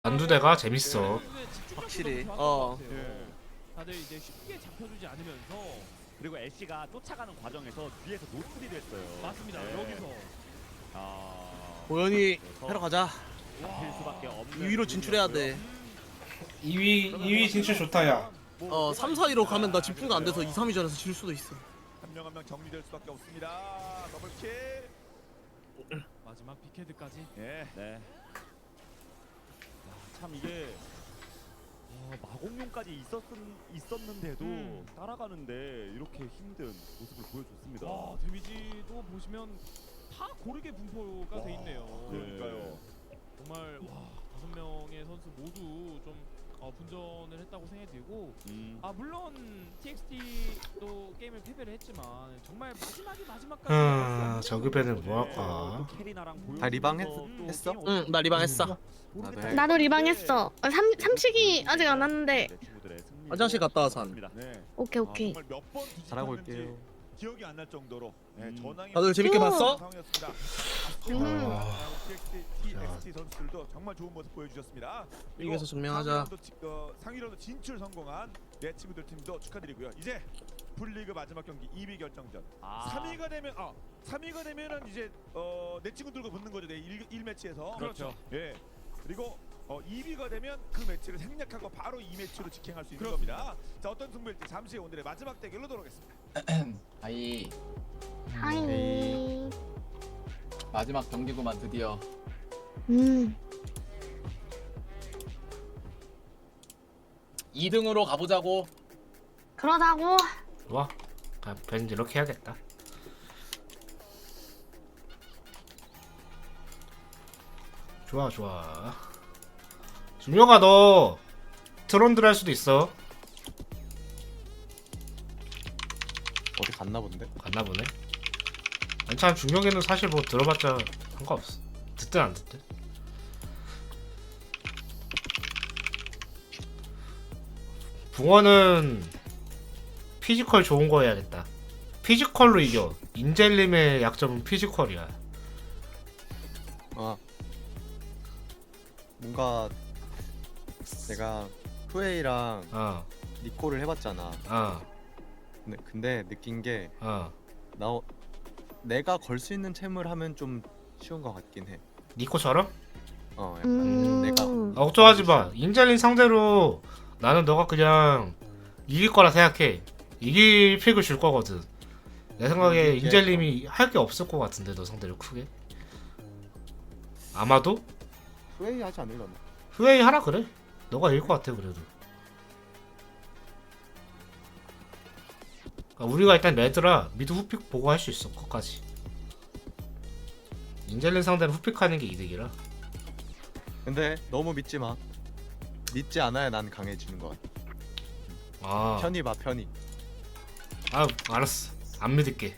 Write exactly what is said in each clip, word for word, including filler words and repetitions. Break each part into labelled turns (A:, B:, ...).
A: 안두대가 재밌어.
B: 확실히. 어.
C: 예. 다들 이제 쉽게 잡혀주지 않으면서
D: 그리고 애쉬가 쫓아가는 과정에서 뒤에서 노출이 됐어요.
C: 맞습니다.
D: 네.
C: 여기서
D: 아,
B: 고현이
D: 그래서
B: 해러 가자.
D: 잡힐 수밖에 없는
B: 이 위로 진출해야 돼.
A: 이 위 이 위 진출 좋다 야.
B: 어, 삼, 사, 이로 가면 나 집중도 안 돼서 이, 삼 위전에서 질 수도 있어.
E: 한 명 한 명 정리될 수밖에 없습니다. 더블킬.
C: 마지막 빅헤드까지.
E: 예.
D: 네. 야, 참 이게 어, 마공룡까지 있었 있었는데도
C: 음.
D: 따라가는데 이렇게 힘든 모습을 보여줬습니다.
C: 와 데미지도 보시면 다 고르게 분포가 돼 있네요.
E: 그러니까요.
C: 정말 와 다섯 명의 선수 모두 좀 어, 분전을 했다고 생각이 들고
D: 음.
C: 아 물론 티엑스티도 게임을 패배를 했지만 정말 마지막에 마지막까지
A: 음, 저급에는 뭐 할까?
D: 또 캐리나랑
F: 다 리방 했-
D: 보여주면서 또
F: 했어?
D: 게임
B: 응, 나 리방 했어.
D: 모르겠다.
F: 나도 해.
G: 나도 리방했어. 어, 삼 삼식이 아직 안 왔는데.
D: 내 친구들의 승리로
B: 화장실 갔다 와서 안.
D: 왔습니다.
E: 네.
G: 오케이 오케이.
E: 정말 몇번 뒤집혔는지
F: 잘하고 올게요.
E: 기억이 안 날 정도로 네,
D: 음.
E: 전황이
B: 다들 재밌게
G: 또.
B: 봤어?
E: 상황이었습니다.
A: 아.
E: 티엑스티, 티엑스티 선수들도 정말 좋은 모습 보여주셨습니다. 그리고
B: 이겨서 증명하자.
E: 상위라운드 지- 어, 상위라운드 진출 성공한 내 친구들 팀도 축하드리고요. 이제 풀리그 마지막 경기 이 위 결정전.
D: 아.
E: 삼 위가 되면 아 삼 위가 되면은 이제 어, 내 친구들과 붙는 거죠. 내 일 매치에서.
C: 그렇죠.
E: 예. 그리고 어, 이 위가 되면 그 매치를 생략하고 바로 이 매치로 직행할 수 있는
C: 그렇습니다.
E: 겁니다. 자 어떤 승부일지 잠시 후 오늘의 마지막 대결로 돌아오겠습니다.
F: 아이
G: 하이.
F: 마지막 경기구만 드디어.
G: 음.
F: 이 등으로 가보자고.
G: 그러자고.
A: 좋아. 아, 벤 이렇게 해야겠다. 좋아 좋아. 준영아 너 트론들 할 수도 있어.
F: 어디 갔나 본데?
A: 갔나 보네. 아니 참 중력에는 사실 뭐 들어봤자 상관없어. 듣든 안 듣든. 붕어는 피지컬 좋은 거 해야겠다. 피지컬로 이겨. 인젤님의 약점은 피지컬이야.
H: 아 뭔가 내가 후웨이랑
A: 어,
H: 니코를 해봤잖아.
A: 어,
H: 근데, 근데 느낀 게
A: 어.
H: 나 내가 걸 수 있는 챔을 하면 좀 쉬운 것 같긴 해.
A: 니코처럼?
H: 어 약간
G: 음.
H: 내가
A: 아, 걱정하지 마. 인젤린 상대로 나는 너가 그냥 이길 거라 생각해. 이길 픽을 줄 거거든. 내 생각에
H: 이게-
A: 인젤님이 할 게 없을 것 같은데 너 상대로 크게. 아마도
H: 후웨이 하지 않으려나?
A: 후웨이 하라 그래. 너가 이길 것 같아 그래도. 그러니까 우리가 일단 레드라 미드 후픽 보고 할 수 있어. 끝까지. 인젤린 상대로 후픽하는 게 이득이라.
H: 근데 너무 믿지 마. 믿지 않아야 난 강해지는 것 같아.
A: 아,
H: 편히 봐 편히.
A: 아 알았어. 안 믿을게.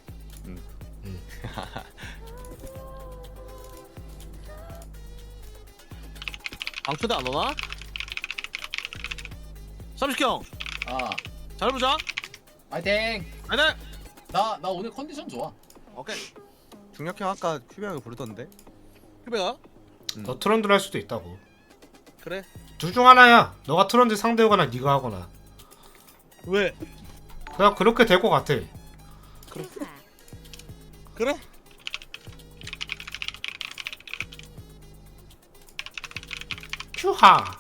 B: 방초대 안 오나? 삼식형,
F: 아,
B: 잘 보자.
F: 파이팅.
B: 아네.
F: 나 나 오늘 컨디션 좋아.
B: 오케이.
H: 중력형 아까 큐비 형이 부르던데.
B: 휴배가?
A: 너 트런들 할 수도 있다고.
B: 그래.
A: 둘 중 하나야. 너가 트런들 상대하거나 네가 하거나.
B: 왜?
A: 그냥 그렇게 될 것 같아.
B: 그래?
A: 큐하.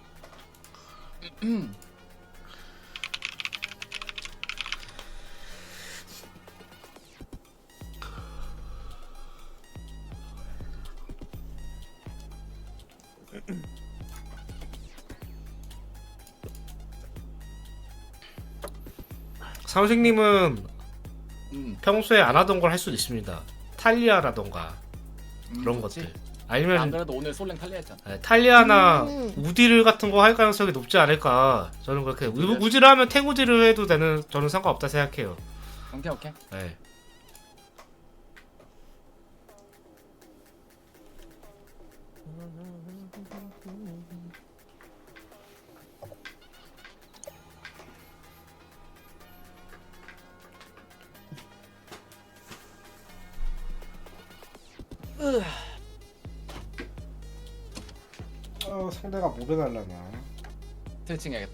A: 사우식님은
F: 음.
A: 평소에 안 하던 걸 할 수도 있습니다. 탈리아라던가
F: 음,
A: 그런
F: 좋지.
A: 것들.
F: 안
A: 아니면
F: 그래도 오늘 솔랭 탈리했잖아.
A: 네, 탈리아나
G: 음.
A: 우디를 같은 거 할 가능성이 높지 않을까. 저는 그렇게 우, 우디를 하면 탱우디를 해도 되는 저는 상관없다 생각해요.
F: 오케이 오케이.
A: 네. 어... 어 상대가 뭐 배달라나.
F: 스트레칭 해야겠다.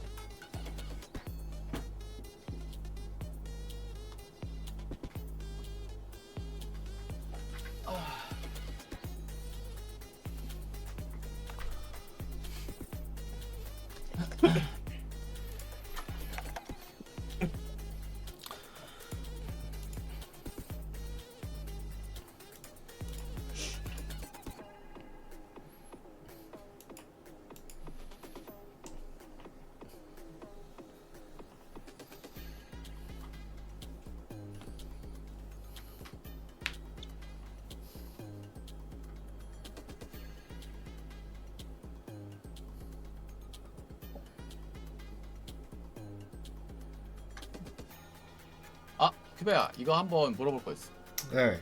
F: 아, 큐베야, 이거 한번 물어볼 거 있어.
A: 네.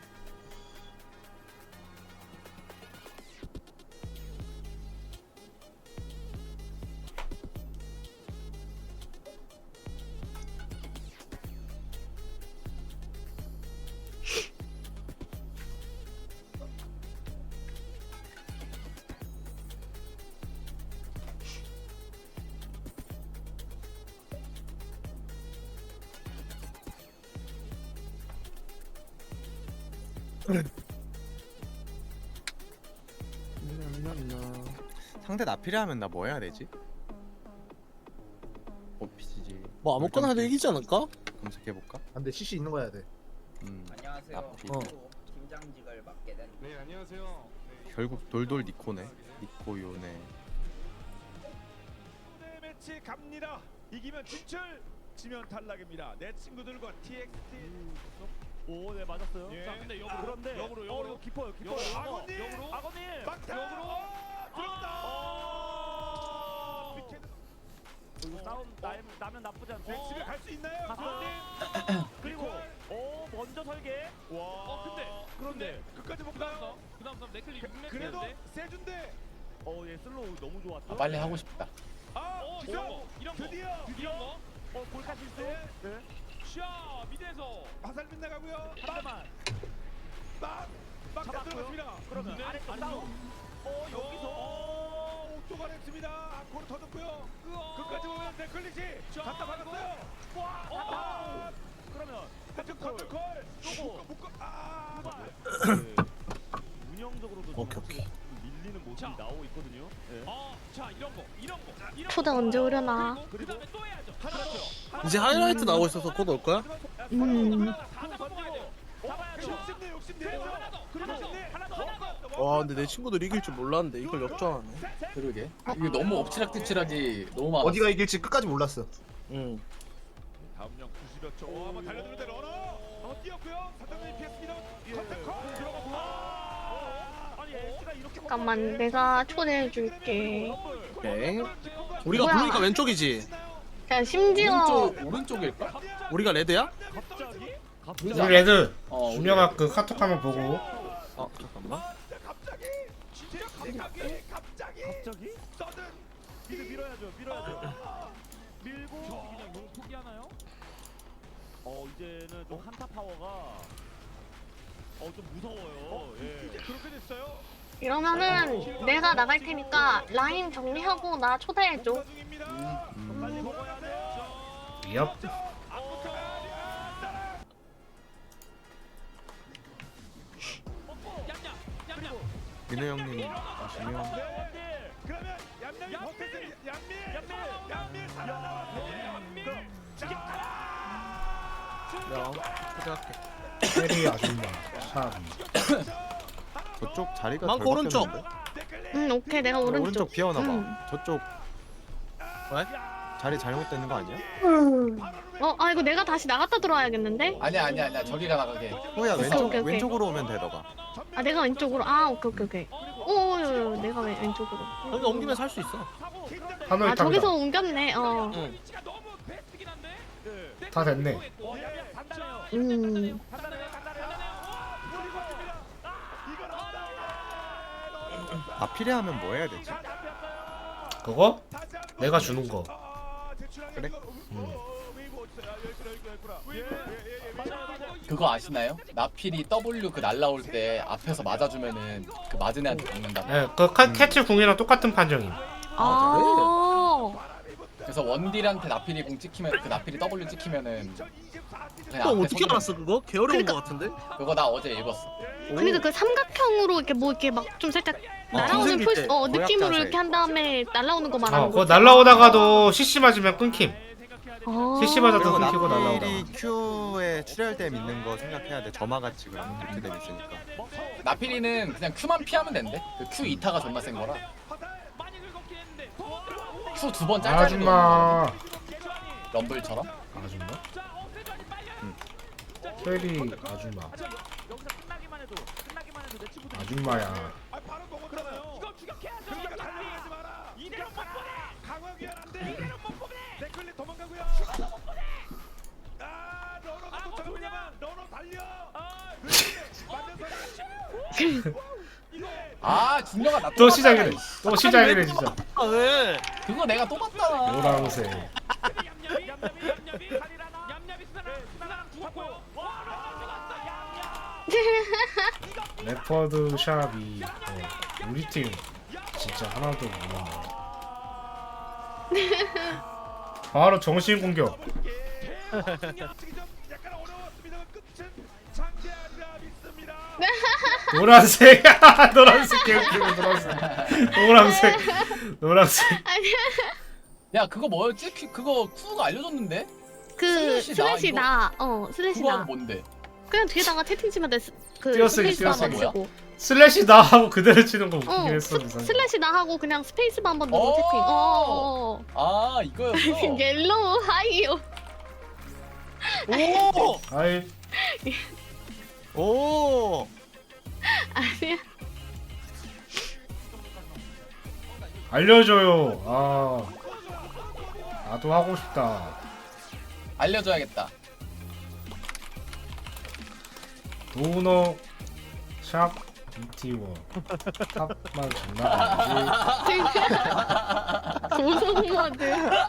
H: 상대 나필이하면 나 뭐 해야 되지? 오피지지.
B: 뭐 아무거나 해도 이기지 않을까?
H: 검색해 볼까?
I: 안돼 씨씨 있는 거 해야 돼.
H: 음.
J: 안녕하세요.
H: 나필.
B: 어.
J: 김장직을 맡게 된
C: 네 안녕하세요.
H: 결국 돌돌 니코네. 니코 요네.
E: 네 매치 갑니다. 이기면 진출, 지면 탈락입니다. 내 친구들과 티엑스티.
D: 오, 네 맞았어요.
E: 예.
C: 자 근데 역으로
D: 그런데
C: 역으로
D: 어,
C: 역으로
D: 이거 깊어요, 깊어요.
C: 역으로,
E: 아버님!
C: 역으로
D: 아버님.
E: 막타.
C: 역으로.
E: 어, 들어온다.
D: 어.
E: 미케-
D: 이거 싸움 나, 나면 나쁘지 않고.
E: 네, 집에 갈 수 있나요?
D: 갔어요.
E: 아버님.
D: 그리고 오 먼저 설계.
E: 와.
C: 어 근데
D: 그런데
E: 끝까지 못
C: 그다음
E: 가요.
C: 싸움 그다음 싸움 네클리 육
E: 그래도
C: 맵인데
E: 세준대.
D: 어, 얘 슬로우 너무 좋았어.
F: 아, 빨리 하고 싶다.
E: 아,
C: 어
E: 기사.
C: 이런 거 이런 거
E: 드디어.
C: 이런 거
D: 어, 골카 실수.
E: 네.
D: 네.
C: 샤 미드에서
E: 화살 빗나가고요.
D: 한 대만
E: 막, 막
D: 잡았고요.
E: 들어갔습니다.
D: 그러면
C: 네,
D: 아래쪽
C: 아래쪽.
D: 싸움. 어, 여기서.
E: 어, 옥도가 했습니다. 안코를 터졌고요.
C: 으아.
E: 끝까지 보면 데클리시
C: 자,
E: 갖다 박았어요.
D: 와,
C: 어.
E: 아,
D: 그러면
E: 한쪽 컨트콜.
D: 요거.
E: 묶어, 묶어. 아,
D: 후발. 운영적으로도 좀
B: 오케이, 오케이.
D: 밀리는 모습이
C: 자.
D: 나오고 있거든요. 네.
C: 어자 이런 거 이런 거 이런
G: 초대
C: 거.
G: 언제 오려나?
C: 그리고 그다음에 또 해야죠.
E: 하나 더.
C: 그렇죠.
B: 이제 하이라이트 나오고 있어서 곧 올 거야?
G: 음.
C: 다 잡아먹어야 돼요.
D: 잡아야죠.
E: 욕심내, 욕심내.
C: 그리고 하나 더 하나 더 하나 더 하나 더.
B: 와 근데 내 친구들 이길 줄 몰랐는데 이걸 역전하네.
F: 그러게. 이거 너무 엎치락뒤치락이 너무 많아.
I: 어디가 이길지 끝까지 몰랐어.
B: 응.
E: 다음 영 구십여 초. 오, 한번 달려드는데 러너. 한번 뛰었고요. 사단장이 피했습니다. 컨트콜 들어가고. 아,
D: 아니, 에스가 이렇게
G: 잠깐만 내가 초대해줄게.
B: 오케이. 우리가
G: 뭐야?
B: 부르니까 왼쪽이지.
G: 자 심지어
F: 오른쪽 오른쪽일까?
B: 우리가 레드야?
D: 갑자기
A: 우리 레드
F: 어, 우리
A: 준혁아 그 카톡 한번 보고.
B: 어 잠깐만.
E: 갑자기 진짜 갑자기 갑자기
D: 갑자기
E: 서든
D: 미드 밀어야죠, 밀어야죠. 밀고
C: 그냥 용 포기하나요?
D: 어 이제는 좀 한타 파워가 어 좀 무서워요. 예.
E: 이제 그렇게 됐어요.
G: 이러면은 내가 나갈 테니까 라인 정리하고 나 초대해줘.
E: 공사 중입니다. 빨리
G: 음.
E: 먹어야 돼요.
A: 엽.
E: 앞부터
C: 얌얌 얌얌.
H: 민우 형님 아시면
E: 네. 그러면 얌얌이 버텨서 얌밀
D: 얌밀!
E: 얌밀 살아나왔어요. 얌밀
B: 야 초대할게.
A: 페리 아줌마 샵.
H: 저쪽 자리가
B: 망고
H: 덜
B: 오른쪽.
H: 바뀌었는데?
G: 응 오케이 내가 오른쪽.
H: 오른쪽 비어나봐.
G: 응.
H: 저쪽
B: 왜?
H: 자리 잘못되는 거 아니야?
G: 어, 아 이거 내가 다시 나갔다 들어와야겠는데?
F: 아니야 아니야 아니야. 저기가 나가게.
H: 호야 왼쪽
G: 오케이, 오케이.
H: 왼쪽으로 오면 돼 너가.
G: 아 내가 왼쪽으로. 아 오케이 오케이 오케이. 오, 내가 왜 왼쪽으로?
B: 여기 옮기면 살 수 있어.
A: 하늘
G: 아
A: 탑이다.
G: 저기서 옮겼네. 어.
B: 응.
C: 위치가 너무 베스트긴 한데.
D: 예.
A: 다 됐네.
D: 어, 얌얌 단단해요.
G: 음.
D: 단단해요, 단단해요.
H: 나필이 하면 뭐 해야 되지?
A: 그거? 내가 주는 거.
E: 아, 대출하게
H: 그래?
E: 이거, 어, 어, 웨이브 어디 있어요? 아, 여기 있구나, 여기 있구나, 여기 있구나. 예, 예, 예, 예, 웨이브.
C: 맞아요, 맞아요.
F: 그거 아시나요? 나필이 W 그 날라올 때 앞에서 맞아주면은 그 맞은 애한테 죽는다.
A: 예, 그 카- 캐치 궁이랑 똑같은 판정임.
G: 아.
F: 그래서 원딜한테 나필이 공 찍히면 그 나필이 W 찍히면은 그냥
B: 형
F: 앞에
B: 어떻게
F: 손으로-
B: 알았어 그거? 개 어려운
G: 그러니까-
B: 거 같은데?
F: 그거 나 어제 읽었어.
G: 그러니까 그 삼각형으로 이렇게 뭐 이렇게 막 좀 살짝 날아오는
I: 생길
G: 풀,
I: 때,
G: 어
H: 고약
G: 느낌으로
H: 자세.
G: 이렇게 한 다음에 날아오는 거 말하는
A: 어, 그거
G: 거지.
A: 날라오다가도 씨씨 맞으면 끊김.
G: 아.
A: 씨씨 맞아도
H: 그리고
A: 끊기고 날라오다가.
H: 나필이 Q에 출혈됨 있는 거 생각해야 돼. 점화같이 그런 도트됨 있으니까.
F: 나필이는 그냥 Q만 피하면 된대. 그 Q 이 타가 존나 센 거라. Q 두 번 짤짤이
A: 아줌마.
F: 럼블처럼.
A: 아줌마? 쉐리 아줌마. 아줌마야.
E: 아, 바로 먹었잖아요. 이거 추격해야죠. 그러니까 달려가지 마라. 이대로 못 보내. 강화기한 안 돼. 이대로 못 보내. 데클리 도망가고요. 아, 러너가 도착합니다만 러너 달려. 아, 맞는
F: 아 중녀가 나
A: 또 시작이네. 또 시작이네 진짜.
B: 아 왜?
F: 그거 내가 또 봤잖아.
A: 노랑새.
C: 얌얌이 얌얌이 얌얌이 칼이라나 얌얌이 스나랑 스나랑 죽었고요.
A: 레퍼드 샵이 어, 우리 팀 진짜 하나도 모르네. 바로 정신 공격.
E: 약간 어려웠습니다만 끝은 장대하리라 믿습니다.
A: 노란색. 노란색 개웃기네 노란색. 노란색. 노란색.
F: 야 그거 뭐였지? 큐- 그거 Q가 알려줬는데?
G: 그
F: 슬래시 나,
G: 슬래시
F: 이거?
G: 나. 어 슬래시
F: 그거
G: 나.
F: 뭔데?
G: 그냥 뒤에다가 채팅 치면 돼. 스- 그
A: 띄어쓰기,
G: 스페이스바 한번
F: 띄어쓰기.
G: 치고.
A: 슬래시 나 하고 그대로 치는 거 웃기긴
G: 어
A: 했어.
G: 스-
A: 이상하게.
G: 슬래시 나 하고 그냥 스페이스바 한번 누르고
F: 오!
G: 채팅. 어. 어.
F: 아 이거였어.
G: 어. 옐로우 하이요.
B: 오!
A: 아이
H: 오.
G: 아니야.
A: 알려줘요. 아 나도 하고 싶다.
F: 알려줘야겠다.
A: 도너 샵 비티워 탑만 존나
G: 고성모드.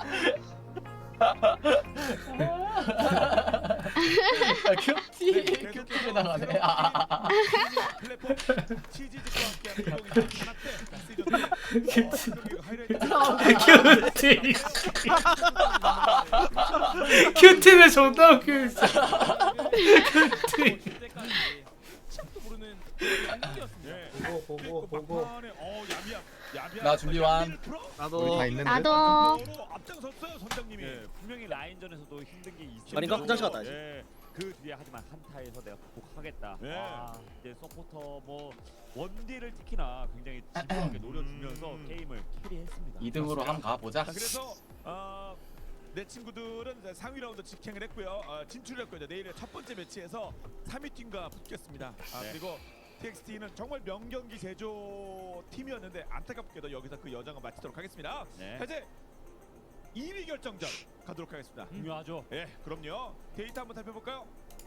F: 야, 큐티 큐티를 당하네. 아, 아, 아.
E: 플랫폼 치즈직과 함께하는
A: 큐티
E: 하이라이트.
A: 큐티 큐티는 존나 웃겨 있어. 큐티
C: 시작도 모르는 경기였습니다.
I: 보고 보고 보고.
E: 어, 야미야. 야미야.
F: 나 준비 완.
H: 우리 다
B: 나도
H: 있는데.
G: 나도.
E: 앞장섰어요 선장님이.
D: 예, 분명히 라인전에서도 힘든 게 있죠.
B: 아닌가? 화장실 갔다 와야지.
D: 예, 그 뒤에 하지만 한타에서 내가 극복하겠다.
E: 예.
D: 아, 이제 서포터 뭐 원딜을 특히나 굉장히 집요하게 노려주면서
E: 음.
D: 게임을 캐리했습니다.
F: 이 등으로 한번 가보자.
E: 자, 그래서 어, 내 친구들은 이제 상위 라운드 직행을 했고요. 어, 진출했고요. 이제 내일의 첫 번째 매치에서 삼 위 팀과 붙겠습니다. 아,
D: 네.
E: 그리고 티엑스티는 정말 명경기 제조 팀이었는데 안타깝게도 여기서 그 여정을 마치도록 하겠습니다.
D: 네.
E: 자, 이제 이 위 결정전 가도록 하겠습니다.
D: 중요하죠.
E: 예, 그럼요. 데이터 한번 살펴볼까요?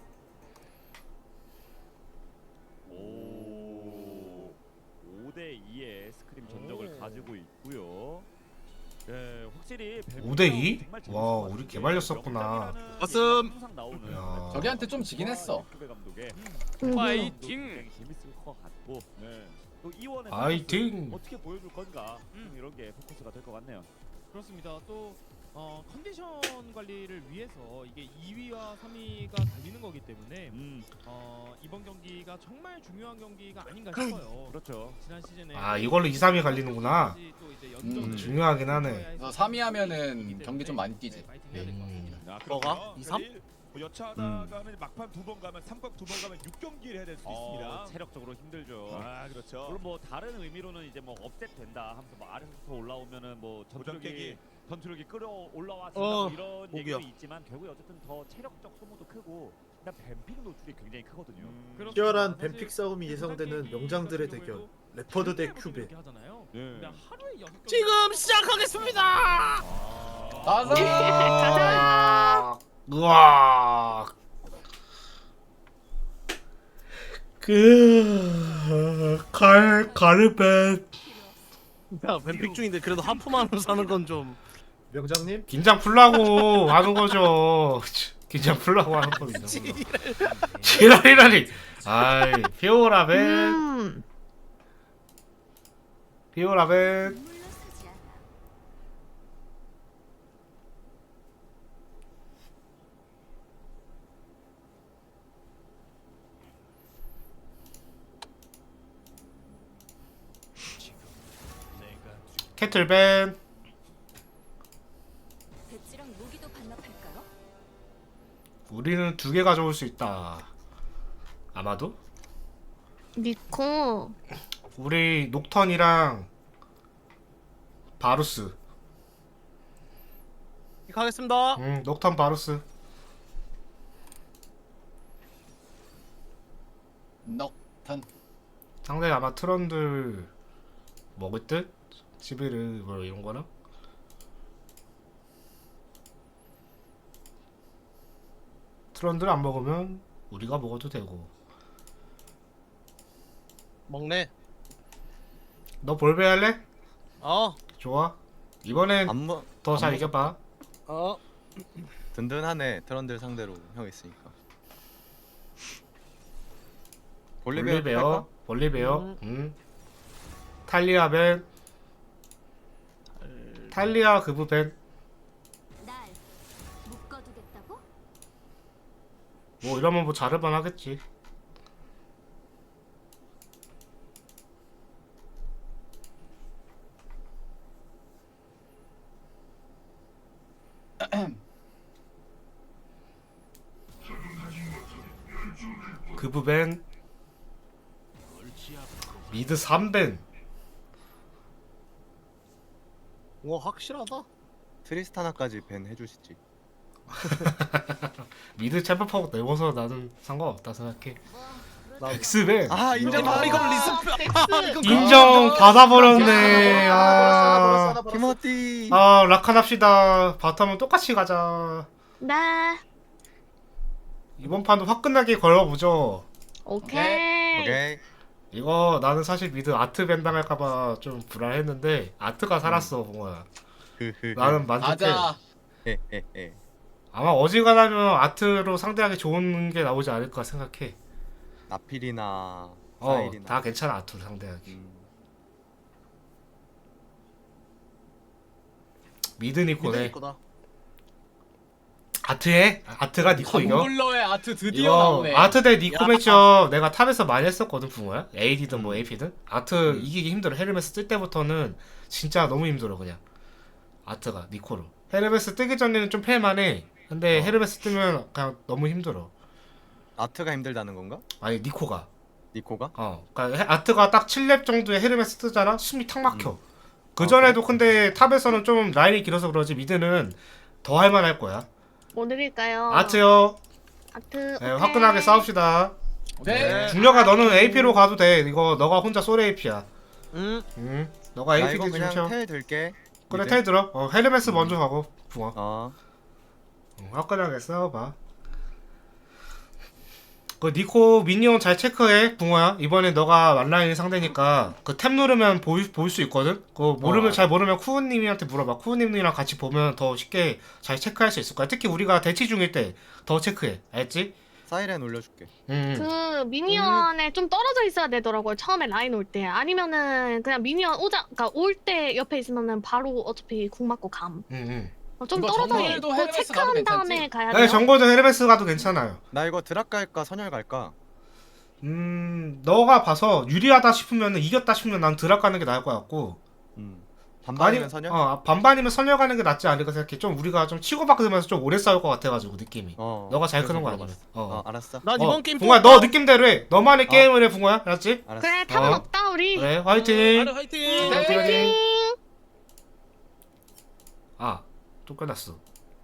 D: 오, 오 대 이의 스크림 전적을
E: 오.
D: 가지고 있고요. 예, 확실히
A: 오 대 이? 와, 우리 개발렸었구나.
E: 가슴.
D: 항상 나오는
A: 야.
F: 저기한테 좀 지긴 했어.
D: 큐베 감독의
G: 음.
C: 파이팅.
D: 굉장히 재밌을 것 같고, 네. 또 이원의
A: 파이팅.
D: 어떻게 보여줄 건가 음, 이런 게 포커스가 될 것 같네요.
C: 그렇습니다. 또 어, 컨디션 관리를 위해서 이게 이 위와 삼 위가 달리는 거기 때문에
D: 음,
C: 어, 이번 경기가 정말 중요한 경기가 아닌가 싶어요.
D: 그렇죠.
C: 지난 시즌에
A: 아 이걸로 이, 삼 위 갈리는구나.
C: 또 이제
F: 음,
C: 연전을
A: 중요하긴 하네.
F: 그래서 삼 위 하면은 경기 좀 많이 뛰지.
C: 네, 파이팅 해야 될 것 같습니다.
E: 아,
B: 뭐가?
E: 그럼요.
B: 이, 삼?
E: 내일 뭐 여차하다가는 막판 두 번 가면 삼각 두 번 가면 육 경기를 해야 될 수도
D: 어,
E: 있습니다.
D: 체력적으로 힘들죠.
E: 아, 그렇죠.
D: 물론 뭐 다른 의미로는 이제 뭐 업셋 된다 하면서 뭐 아래서부터 올라오면은 뭐
E: 도전 깨기.
D: 전투력이 전투력이 끌어 올라와 준다
B: 어,
D: 뭐 이런
B: 목이요.
D: 얘기도 있지만 결국에 어쨌든 더 체력적 소모도 크고 일단 뱀픽 노출이 굉장히 크거든요.
E: 음,
C: 그렇습니다.
I: 치열한
C: 사실
I: 뱀픽 싸움이 예상되는
C: 게임
I: 명장들의
C: 같은
I: 대결.
C: 경우에도
I: 레퍼드 대
C: 이렇게
I: 큐베.
C: 하잖아요.
E: 네.
C: 그냥 하루에 여섯 경기
B: 지금 시작하겠습니다.
F: 가자.
G: 가자.
A: 우와. 그갈 가르벤
B: 야 뱀픽 중인데 그래도 하프만으로 사는 건 좀.
I: 명장님
A: 긴장 풀라고 하는 거죠. 그냥 풀라고 하는 겁니다. 지랄이라니. 아이 피오라벤
G: 음.
A: 피오라벤. 캐틀벤.
K: 배지랑 무기도 반납할까요?
A: 우리는 두 개 가져올 수 있다. 아마도?
G: 니코.
A: 우리 녹턴이랑 바루스.
B: 가겠습니다.
A: 응, 녹턴 바루스.
F: 넉탄.
A: 상대 아마 트런들 먹을 듯? 시비르 뭐 이런 거나? 트런들 안 먹으면 우리가 먹어도 되고.
B: 먹네.
A: 너 볼베 할래?
B: 어.
A: 좋아. 이번엔
H: 안 먹.
A: 더 잘
H: 안
A: 이겨봐.
B: 어.
H: 든든하네 트런들 상대로 형 있으니까. 볼리베어
A: 볼리베어, 볼리베어.
B: 음.
A: 음. 탈리아 벤. 탈리아 그브 벤.
K: 날 묶어두겠다고?
A: 뭐 이러면 뭐 자르반 하겠지. 그브 벤. 미드 삼 벤.
B: 와 확실하다.
H: 트리스타나까지 밴 해주시지.
A: 미드 챔프하고 내워서 나는 상관없다 생각해.
B: 나-
A: 엑스벤.
H: 아 인정.
B: 아 이걸 리스펙.
A: 인정 받아버렸네. 아,
H: 티모티.
A: 아 라칸 합시다. 바텀은 똑같이 가자.
G: 네.
A: 이번 판도 화끈하게 걸어보죠.
G: 오케이.
H: 오케이.
A: 이거 나는 사실 미드 아트 밴 당할까봐 좀 불안했는데 아트가 살았어
H: 음.
A: 봉아.
H: 흐흐.
A: 나는 만족해.
F: 가자.
H: 에에에.
A: 아마 어지간하면 아트로 상대하기 좋은 게 나오지 않을까 생각해.
H: 나필이나
A: 어,
H: 사일이나.
A: 다 괜찮아 아트로 상대하기.
H: 음.
A: 미드 니코네.
B: 믿으니까.
A: 아트에 아트가 니코 이겨.
F: 텀블러의 아트 드디어
A: 이거
F: 나오네.
A: 아트 대 니코
B: 야.
A: 매치업 내가 탑에서 많이 했었거든 붕어야. 에이디든 뭐
H: 음.
A: 에이피든. 아트
H: 음.
A: 이기기 힘들어. 헤르메스 뜰 때부터는 진짜 너무 힘들어 그냥. 아트가 니코로. 헤르메스 뜨기 전에는 좀 패만해. 근데
H: 어.
A: 헤르메스 뜨면 그냥 너무 힘들어.
H: 아트가 힘들다는 건가?
A: 아니 니코가.
H: 니코가?
A: 어. 그러니까 헤- 아트가 딱 칠 렙 정도에 헤르메스 뜨잖아. 숨이 탁 막혀.
H: 음.
A: 그
H: 아,
A: 전에도 근데 탑에서는 좀 라인이 길어서 그러지 미드는 더 할만할 거야.
G: 뭐 드릴까요?
A: 아트요.
G: 아트.
A: 네,
G: 오케이.
A: 화끈하게 싸웁시다.
F: 네.
A: 중녀가 너는 에이피로 가도 돼. 이거 너가 혼자 솔 에이피야.
B: 음.
A: 응. 너가
H: 나
A: 에이피
H: 이거
A: 기준
H: 그냥
A: 쳐.
H: 텔 들게.
A: 그래
H: 미드.
A: 텔 들어. 어 헤르메스
H: 음.
A: 먼저 가고 붕어.
H: 어.
A: 응, 화끈하게 싸워봐. 그 니코 미니언 잘 체크해 붕어야. 이번에 너가 만라인 상대니까 그 탭 누르면 보일 보일 수 있거든. 그 모르면
H: 어.
A: 잘 모르면 쿠우님한테 물어봐. 쿠우님이랑 같이 보면 더 쉽게 잘 체크할 수 있을 거야. 특히 우리가 대치 중일 때 더 체크해. 알지?
H: 사이렌 올려줄게.
A: 응.
G: 그 미니언에 좀 떨어져 있어야 되더라고요. 처음에 라인 올 때. 아니면은 그냥 미니언 오자, 그러니까 올 때 옆에 있으면은 바로 어차피 궁 맞고 감.
A: 응. 응.
G: 어, 좀
F: 이거
G: 떨어져
F: 정글도
G: 있고
F: 헤르메스 가도
G: 체크한 다음에
F: 괜찮지?
G: 가야
A: 네,
G: 돼요.
A: 정거도 헤르메스 가도 괜찮아요.
H: 나 이거 드랍 갈까 선열 갈까?
A: 음, 너가 봐서 유리하다 싶으면 이겼다 싶으면 난 드랍 가는 게 나을 것 같고.
H: 음. 반반이면
A: 아니,
H: 선열?
A: 어, 반반이면 선열 가는 게 낫지 않을까 생각해. 좀 우리가 좀 치고받으면서 좀 오래 싸울 것 같아가지고 느낌이.
H: 어.
A: 너가 잘
H: 그래서
A: 크는 거 아니면.
H: 물어봤어.
A: 어.
H: 어 알았어.
B: 난
A: 어,
B: 이번 게임
A: 붕어야 너 느낌대로 해. 너만의
H: 어.
A: 게임을 해 붕어야. 알았지?
H: 알았어.
G: 그래 탑은
A: 어.
G: 없다 우리.
A: 그래 화이팅.
B: 나를 화이팅.
A: 화이팅.
G: 화이팅.
A: 아, 또 끝났어.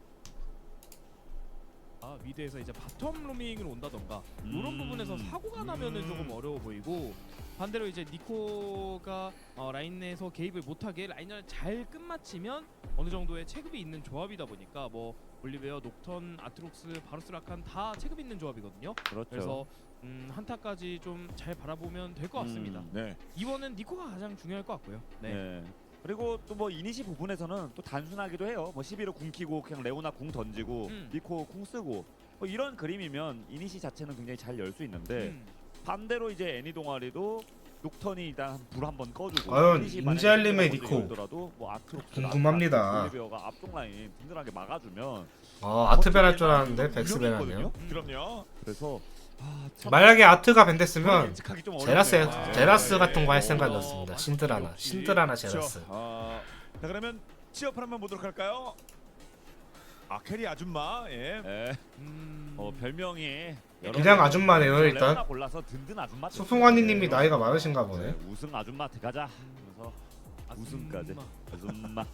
C: 아, 미드에서 이제 바텀 로밍을 온다던가 이런
E: 음.
C: 부분에서 사고가 나면은 조금 어려워 보이고 반대로 이제 니코가 어, 라인 내에서 개입을 못하게 라인을 잘 끝마치면 어느 정도의 체급이 있는 조합이다 보니까 뭐 올리베어, 녹턴, 아트록스, 바루스라칸 다 체급 있는 조합이거든요.
E: 그렇죠.
C: 그래서 음, 한타까지 좀 잘 바라보면 될 것 같습니다.
E: 음, 네.
C: 이번은 니코가 가장 중요할 것 같고요. 네.
E: 네.
D: 그리고 또 뭐 이니시 부분에서는 또 단순하기도 해요. 뭐 십일호 궁 키고 그냥 레오나 궁 던지고
C: 음.
D: 니코 궁 쓰고 뭐 이런 그림이면 이니시 자체는 굉장히 잘 열 수 있는데
C: 음.
D: 반대로 이제 애니 동아리도 녹턴이 일단 불 한번 꺼주고
A: 과연
D: 이니시 만약에
A: 인젤림의
D: 먼저
A: 니코
D: 열더라도 뭐 아트록스,
A: 궁금합니다.
D: 올리베어가 앞쪽 라인 든든하게 막아주면
A: 어 아트벤 할 줄 알았는데 백스벤 하네요.
E: 음. 그럼요.
D: 그래서 아, 참
A: 만약에 아트가 벤 됐으면
D: 예측하기 좀
A: 제라스
D: 어렵네요. 아,
A: 제라스
E: 예,
A: 같은 거 할
E: 예.
A: 생각이었습니다. 신드라나
E: 역시.
A: 신드라나
E: 그렇죠.
A: 제라스.
E: 어, 자 그러면 취업을 한번 보도록 할까요? 아 캐리 아줌마. 예.
D: 예.
C: 음...
D: 어 별명이 여러
A: 그냥
D: 가지
A: 아줌마네요,
D: 레오나
A: 일단.
D: 골라서 든든 아줌마.
A: 소풍환이님이 나이가 많으신가 보네.
D: 네, 우승 아줌마 들어가자. 그래서 우승까지 아줌마.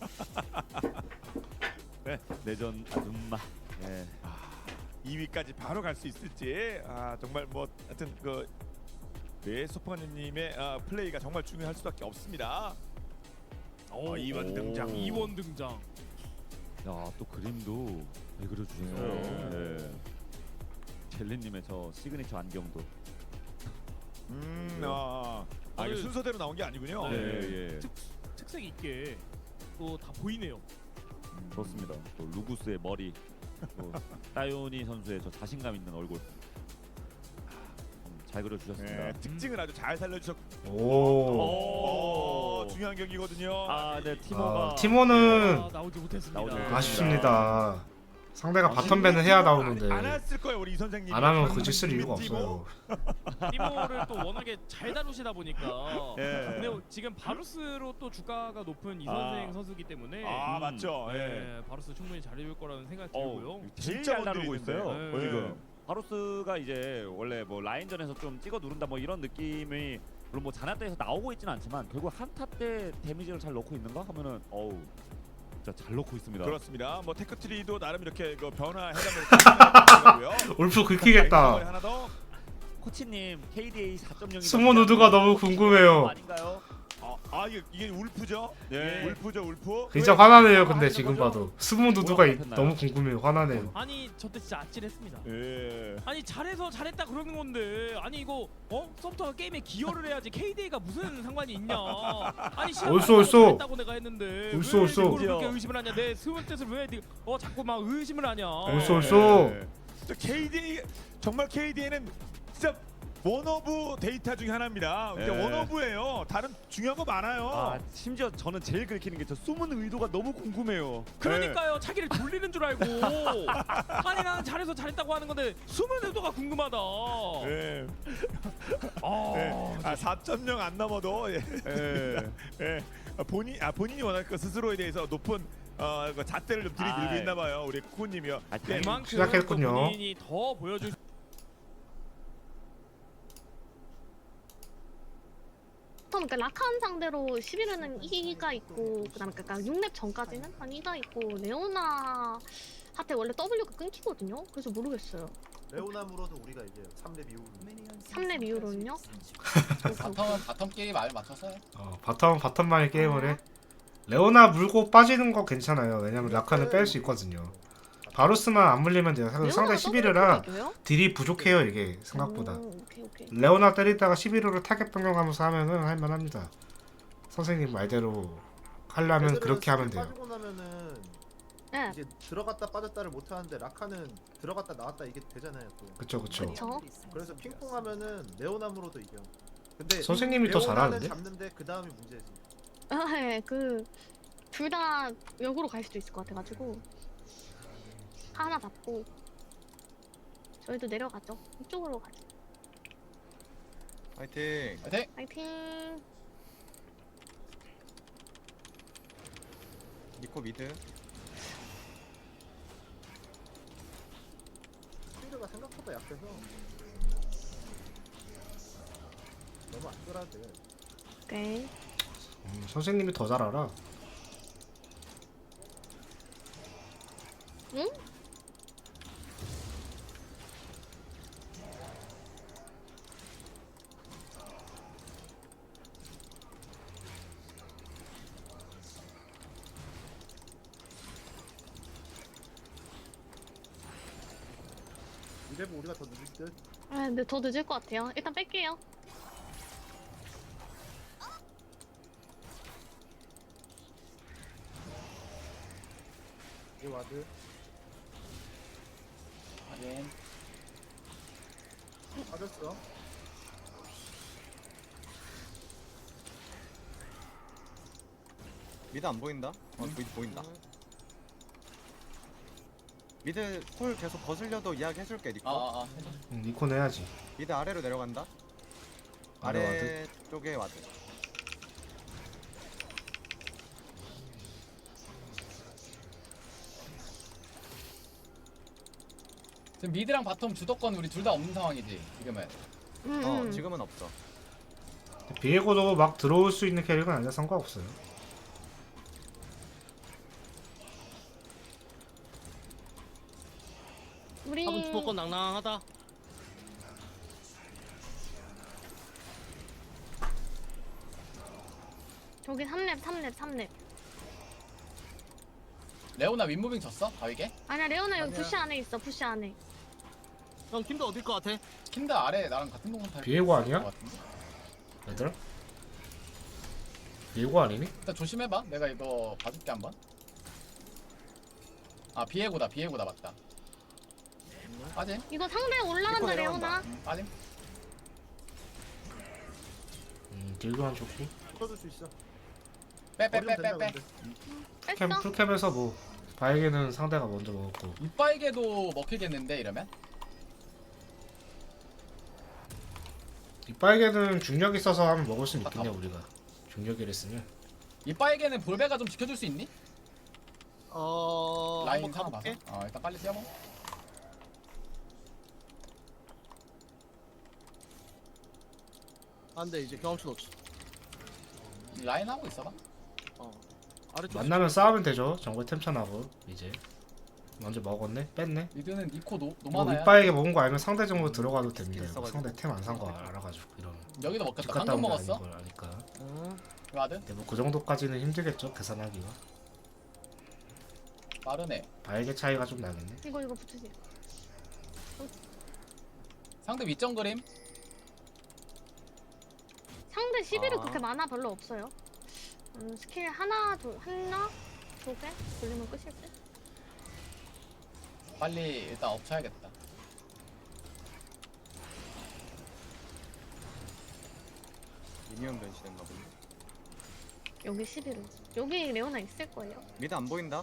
D: 네, 내전 아줌마. 예.
E: 이 위까지 바로 갈 수 있을지. 아 정말 뭐 하여튼 그 네, 소풍환님의 아, 플레이가 정말 중요할 수밖에 없습니다.
C: 오,
E: 어, 이번 등장.
C: 이번 등장.
D: 야, 또 그림도 잘 그려주셨어요. 네. 젤리님의 저 시그니처 안경도.
E: 음, 아, 아 이게
C: 오늘-
E: 순서대로 나온 게 아니군요.
C: 네.
D: 예, 예.
C: 특색 있게 또 다 보이네요.
D: 좋습니다. 또 루구스의 머리, 또 따요니 선수의 저 자신감 있는 얼굴. 음, 잘 그려주셨습니다.
E: 네, 특징을 아주 잘 살려주셨고
A: 오.
E: 오, 중요한 경기거든요.
D: 아, 네, 티모가
A: 아, 티모는
C: 아, 나오지 못했습니다.
D: 나오지 못했습니다.
A: 아쉽습니다. 상대가
D: 아,
A: 바텀벤은 해야 나오는데
E: 안 했을 거예요 우리 이 선생님.
A: 안 하면 그지 쓸 이유가 없어요.
C: 티모를 또 워낙에 잘 다루시다 보니까.
E: 예.
C: 근데 지금 바루스로 또 주가가 높은 이
E: 아.
C: 선생 선수기 때문에.
E: 아
D: 음.
E: 맞죠. 예.
C: 네, 바루스 충분히 잘해줄 거라는 생각이 들고요.
D: 어, 제일
E: 진짜
D: 잘 다루고
E: 원딜이
D: 있어요.
C: 있는데.
D: 지금
E: 네.
D: 바로스가 이제 원래 뭐 라인전에서 좀 찍어 누른다 뭐 이런 느낌이 물론 뭐 자나때에서 나오고 있지는 않지만 결국 한타 때 데미지를 잘 넣고 있는가 하면은 어우 진짜 잘 넣고 있습니다.
E: 그렇습니다. 뭐 테크트리도 나름 이렇게 그 변화 해가면서
A: 울프 긁히겠다.
E: 하나 더.
D: 코치님 케이디에이 사 점 영이
A: 스모 누드가 너무 궁금해요.
D: 아닌가요?
E: 아, 아 이게, 이게 울프죠?
D: 네.
E: 울프죠 울프.
A: 진짜 화나네요. 근데 지금 봐도 스모 누드가 이- 너무 궁금해요. 화나네요.
C: 아니 저 때 진짜 아찔했습니다.
E: 예.
C: 아니 잘해서 잘했다 그러는 건데 아니 이거 어 서브터가 게임에 기여를 해야지 케이디에이가 무슨 상관이 있냐? 아니
A: 옳소, 옳소.
C: 잘했다고 내가 했는데
A: 옳소,
C: 왜
A: 옳소.
C: 이걸 그렇게 의심을 하냐? 내 스무 뜻을 왜어 자꾸 막 의심을 하냐?
A: 옳소, 옳소.
E: 예. 진짜 케이디 정말 케이디에는 진짜 원오브 데이터 중에 하나입니다. 그러니까
D: 예.
E: 원오브예요. 다른 중요한 거 많아요.
D: 아 심지어 저는 제일 긁히는 게 저 숨은 의도가 너무 궁금해요.
C: 그러니까요 자기를 돌리는 줄 알고 아니 나는 잘해서 잘했다고 하는 건데 숨은 의도가 궁금하다.
E: 예.
C: 아,
E: 예. 아 사 점 영 안 넘어도 예.
D: 예.
E: 예. 아, 본인 아 본인이 워낙 그 스스로에 대해서 높은 어, 그 잣대를 좀 들이밀고
D: 아이.
E: 있나 봐요. 우리 쿠님이요.
D: 아,
E: 예.
C: 그만큼
A: 시작했군요.
C: 또 본인이 더 보여줄
G: 그러니까 라칸 상대로 십일 회는 이가 있고 그다음에 그러니까 육 렙 전까지는 한 이가 있고 레오나 한테 원래 W가 끊기거든요. 그래서 모르겠어요.
I: 레오나무로도 우리가 이제 삼 렙 이후로
G: 삼 렙 이후로는요?
F: 바텀은 바텀 게임 말 맞춰서 해.
A: 어, 바텀 바텀만이 게임을 해. 레오나 물고 빠지는 거 괜찮아요. 왜냐면 라카는 뺄 수 있거든요. 바루스만 안 물리면 돼요. 상대
G: 레오나가
A: 십일 회라
G: 더블 킬이에요?
A: 딜이 부족해요 이게 생각보다.
G: 오, 오케이 오케이.
A: 레오나 때리다가 십일 회로 타겟 변경하면서 하면은 할만합니다. 선생님 말대로 하려면
I: 애들은
A: 그렇게 하면
I: 스킬
A: 돼요.
I: 빠지고 나면은
G: 네,
I: 이제 들어갔다 빠졌다를 못 하는데 라카는 들어갔다 나왔다 이게 되잖아요 또.
A: 그쵸 그쵸.
G: 그쵸.
I: 그래서 핑퐁하면은 레오나무로도 이겨. 근데
A: 선생님이 더
I: 레오나는
A: 잘하는데?
I: 잡는데 그 다음이 문제지.
G: 아, 네, 그둘 다 역으로 갈 수도 있을 것 같아가지고 하나 잡고 저희도 내려가죠. 이쪽으로 가죠.
H: 파이팅.
F: 파이팅.
G: 파이팅.
H: 니코 미드.
I: 스피드가 생각보다 약해서 너무 안 끌어도 돼.
G: 오케이.
A: 음, 선생님이 더 잘 알아.
G: 응?
I: 이래면 우리가 더 늦을 듯.
G: 아, 근데 더 늦을 것 같아요. 일단 뺄게요.
I: 이 와드.
F: 확인.
I: 빠졌어.
H: 미드 안 보인다? 어 미드 보인다. 미드 콜 계속 거슬려도 이야기 해줄게 니코.
F: 아아아.
A: 응, 니콘 해야지.
H: 미드 아래로 내려간다.
A: 아래
H: 아래 쪽에 와드.
F: 지금 미드랑 바텀 주도권 우리 둘 다 없는 상황이지 지금은.
G: 음,
H: 어
G: 음.
H: 지금은 없어.
A: 비에고도 막 들어올 수 있는 캐릭은 아니라 상관없어요.
G: 우리
B: 탑은 주도권 낭낭하다.
G: 저기 삼 렙 삼 렙 삼 렙.
F: 레오나 윗무빙 졌어? 바위게?
G: 아니야 레오나 여기
I: 아니야.
G: 부시 안에 있어 부시 안에.
B: 형 팀도 어딜 것 같아?
F: 킨드 아래 나랑 같은 동선 탈
A: 비에고 아니야?
F: 것 같은데?
A: 얘들아? 비에고 아니니?
F: 일단 조심해봐. 내가 이거 봐줄게 한번. 아 비에고다 비에고다 맞다. 빠짐.
G: 이거 상대 올라간다
H: 니코
G: 레오나.
H: 내려간다.
F: 음, 빠짐.
A: 음, 딜교환 좋고.
I: 풀어줄 수 있어.
F: 빼 빼
I: 버리면
F: 빼
I: 된다,
F: 빼빼.
I: 근데.
A: 캠,
G: 뺐어?
A: 풀캠에서 뭐 바에게는 상대가 먼저 먹었고.
F: 이빠이게도 먹히겠는데 이러면?
A: 이빠에게는 중력 있어서 하면 먹을 수 있겠냐
F: 아,
A: 우리가. 중력이를 쓰면.
F: 이빠이게는 볼베가 좀 지켜줄 수 있니?
B: 어
F: 라인
B: 한번
F: 상황 봐서.
B: 가볼게.
F: 어 일단 빨리 뛰어봐.
B: 안돼 이제 경험치 없지.
F: 라인 하고 있어봐.
B: 어 아래쪽.
A: 만나면 싸우면 되죠. 정글 템천하고 이제. 먼저 먹었네? 뺐네?
F: 미드는 니코 노
A: 뭐
F: 노마나야.
A: 윗바에게 먹은 거 알면 상대 정도 들어가도 됩니다. 이거.
H: 있어가지고.
A: 상대 템 안 산 거 알아가지고 이러면.
F: 여기도
A: 집
F: 먹혔다.
A: 갔다
F: 방금
A: 온 게 아닌
F: 먹었어.
A: 걸 아니까.
B: 어.
F: 와드.
A: 근데 뭐 그 정도까지는 힘들겠죠 계산하기가.
F: 빠르네.
A: 바에게 차이가 좀 나겠네.
G: 이거 이거 붙으지.
F: 상대 윗정 그림.
G: 상대 시비를
H: 아.
G: 그렇게 많아 별로 없어요. 음, 스킬 하나 두 하나 두 개 돌리면 끝일 듯.
F: 빨리 일단 엎쳐야겠다.
H: 미니언 변신했나 본데.
G: 여기 시비로. 여기 레오나 있을 거예요.
H: 미드 안 보인다.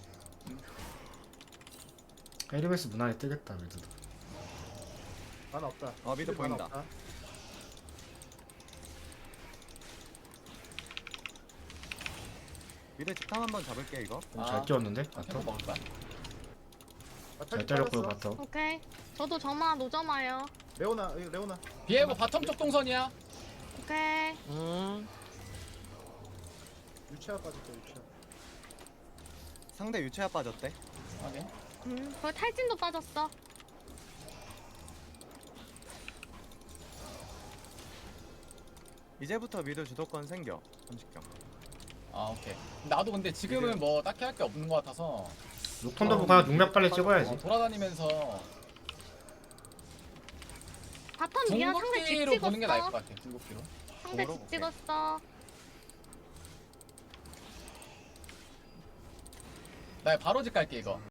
A: 에리베스 무난히 뜨겠다 미드도.
I: 만 없다.
H: 어, 미드
I: 만
H: 보인다.
I: 없다.
H: 미드 집탐 한번 잡을게 이거.
A: 좀
F: 아.
A: 잘 뛰었는데
F: 캠프
A: 바텀.
F: 먹을 거야?
I: 아,
A: 잘
I: 탈
A: 때렸고요
I: 빠졌어.
A: 바텀.
G: 오케이. 저도 점화 노점화요.
I: 레오나 여기 레오나.
F: 비에고 바텀 쪽 동선이야.
G: 오케이.
B: 음.
I: 유채화 빠졌다 유채화.
H: 상대 유채화 빠졌대.
F: 확인.
G: 음, 거기 탈진도 빠졌어.
H: 이제부터 미드 주도권 생겨. 삼십 경.
F: 아 오케이. 나도 근데 지금은 뭐 딱히 할 게 없는 것 같아서
A: 녹턴도 뭐 그냥 육렙 빨리 찍어야지.
F: 어, 돌아다니면서
G: 바텀 미야 상대 집
F: 궁극기로 보는 게 나을 것
G: 찍었어.
F: 같아. 궁극기로.
G: 상대
H: 궁으로?
G: 집 찍었어.
F: 나 바로 집 갈게 이거.